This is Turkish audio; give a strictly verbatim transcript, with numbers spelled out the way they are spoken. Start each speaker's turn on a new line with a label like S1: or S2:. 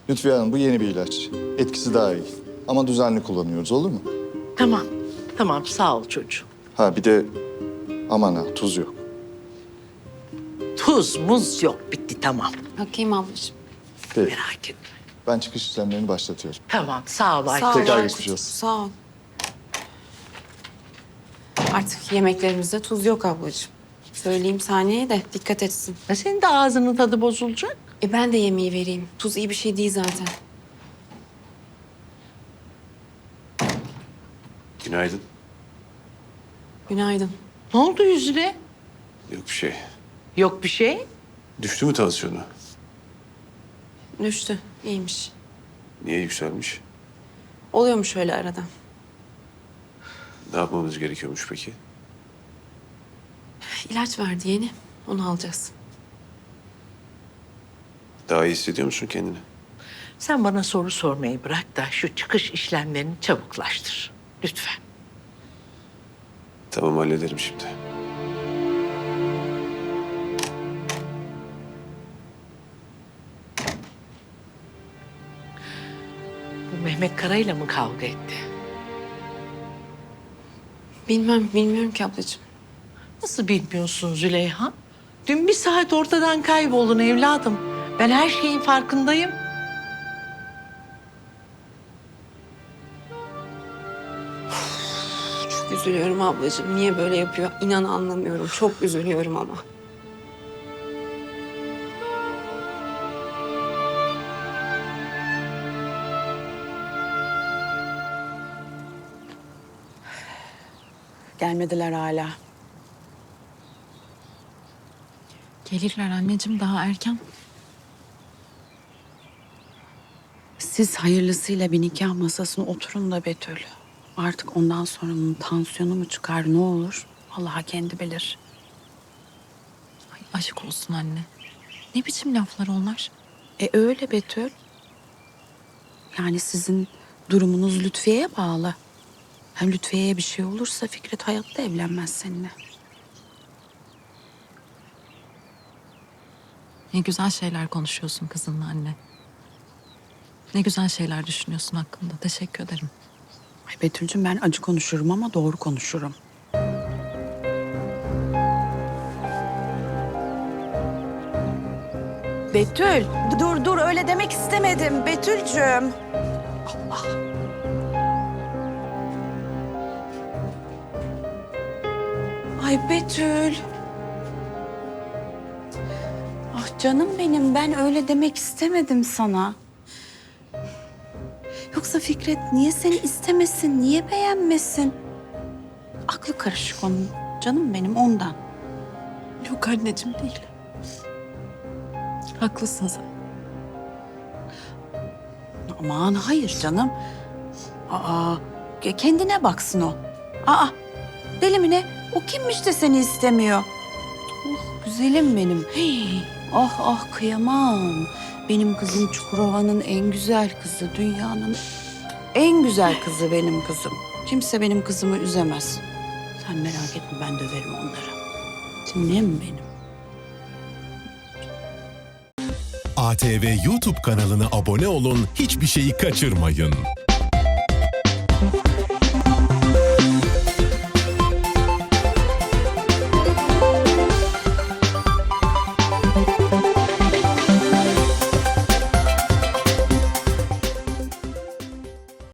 S1: Lütfiye Hanım bu yeni bir ilaç. Etkisi daha iyi. Ama düzenli kullanıyoruz, olur mu?
S2: Tamam, tamam sağ ol çocuğum.
S1: Ha bir de aman ha tuz yok.
S2: Tuz, muz yok, bitti tamam.
S3: Bakayım ablacığım.
S1: Peki.
S2: Merak etme.
S1: Ben çıkış işlemlerini başlatıyorum.
S2: Tamam, sağ ol Ayşe.
S3: Sağ ol
S1: Tekrar
S3: Aykut,
S1: geçmiş olsun.
S3: Sağ ol. Artık yemeklerimizde tuz yok ablacığım. Söyleyeyim Saniye'ye de dikkat etsin.
S2: Ya senin de ağzının tadı bozulacak.
S3: E ben de yemeği vereyim. Tuz iyi bir şey değil zaten.
S4: Günaydın.
S3: Günaydın.
S2: Ne oldu yüzüne?
S4: Yok bir şey.
S2: Yok bir şey.
S4: Düştü mü tansiyonu?
S3: Düştü. İyiymiş.
S4: Niye yükselmiş?
S3: Oluyormuş öyle arada.
S4: Ne yapmamız gerekiyormuş peki?
S3: İlaç verdi yeni. Onu alacağız.
S4: Daha iyi hissediyor musun kendini?
S2: Sen bana soru sormayı bırak da şu çıkış işlemlerini çabuklaştır. Lütfen.
S4: Tamam hallederim şimdi.
S2: Bu Mehmet Kara'yla mı kavga etti?
S3: Bilmem, bilmiyorum ki ablacığım.
S2: Nasıl bilmiyorsun Züleyha? Dün bir saat ortadan kayboldun evladım. Ben her şeyin farkındayım.
S3: Çok üzülüyorum ablacığım. Niye böyle yapıyor? İnan anlamıyorum. Çok üzülüyorum ama. Gelmediler hala.
S5: Gelirler anneciğim, daha erken.
S6: Siz hayırlısıyla bir nikah masasına oturun da Betül. Artık ondan sonra onun tansiyonu mu çıkar ne olur? Allah kendi bilir.
S5: Ay aşk olsun anne. Ne biçim laflar onlar?
S6: E öyle Betül. Yani sizin durumunuz Lütfiye'ye bağlı. Hem Lütfiye'ye bir şey olursa Fikret hayatta evlenmez seninle.
S5: Ne güzel şeyler konuşuyorsun kızınla anne. Ne güzel şeyler düşünüyorsun hakkında. Teşekkür ederim.
S6: Ay Betül'cüm ben acı konuşurum ama doğru konuşurum. Betül, dur dur öyle demek istemedim Betül'cüm. Allah. Ay Betül. Ah canım benim ben öyle demek istemedim sana. Yoksa Fikret niye seni istemesin, niye beğenmesin? Aklı karışık onun. Canım benim ondan.
S5: Yok anneciğim değil. Haklısın sen.
S6: Aman hayır canım. Aa, ke- kendine baksın o. Aa, deli mi ne? O kimmiş de seni istemiyor? Oh, güzelim benim. Hey, ah ah kıyamam. Benim kızım Çukurova'nın en güzel kızı, dünyanın en güzel kızı benim kızım. Kimse benim kızımı üzemez. Sen merak etme ben döverim onları. Dinlem benim.
S7: A T V YouTube kanalına abone olun, hiçbir şeyi kaçırmayın.